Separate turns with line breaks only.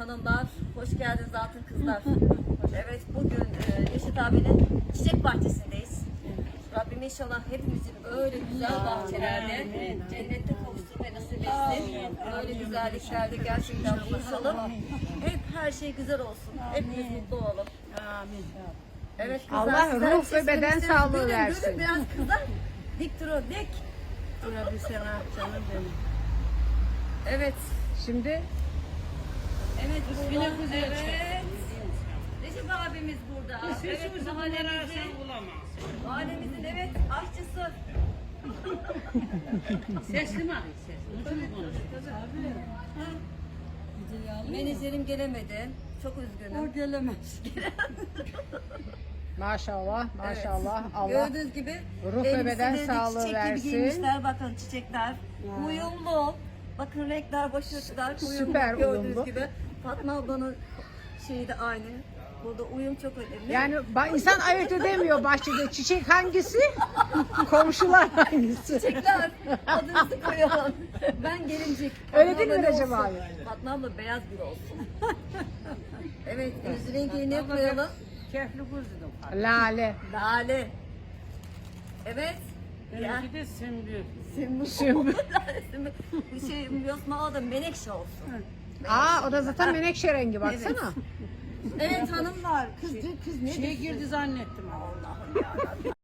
hanımlar, hoş geldiniz altın kızlar. Evet, bugün Reşit abinin çiçek bahçesindeyiz. Rabbim inşallah hepimizin öyle güzel bahçelerde cennette kavuşturmayı nasip etsin. Öyle güzelliklerde gerçekten buluşalım. Hep her şey güzel olsun. Hepimiz mutlu olalım.
Amin.
Evet kızlar,
Allah
sizler
ruh ve beden
seslerinizi
sağlığı
duyun,
versin.
duyun biraz kızlar. Dik durun, dik.
Buna bir sana canım benim.
Evet.
Şimdi
Evet, burada.
Yine güzel
Evet. Recep abimiz burada. Evet, mahallemizin evet aşçısı.
Sesli mi arayın sesli? Nasıl mı konuşuyor?
Menajerim gelemedi. Çok üzgünüm.
O gelemez.
maşallah maşallah Allah
Gördüğünüz gibi
ruh ve beden
elbiseleri de
sağlığı
çiçek gibi
versin.
giymişler. Bakın çiçekler. Uyumlu. Bakın renkler, başlıklar uyumlu.
Süper
Gördüğünüz
uyumlu.
gibi. Fatma ablanın şeyi de aynı. Burada uyum çok önemli.
Yani insan ayırt edemiyor bahçede çiçek hangisi, komşular hangisi.
Çiçekler adınızı koyalım. Ben gelincik.
Öyle
Fatma
değil mi
abla ne
Recep
olsun?
abi?
Fatma abla beyaz bir olsun. Evet, yüz rengi ne koyalım?
Kefli kuzdum.
Lale.
Lale. Evet. Ya.
Benimki de sümbül.
Sümbül. Bu şey Yosma o da menekşe olsun.
Aa o da zaten menekşe rengi baksana.
Evet hanımlar. Kız ne
Şey girdi zannettim.
Allah'ım ya.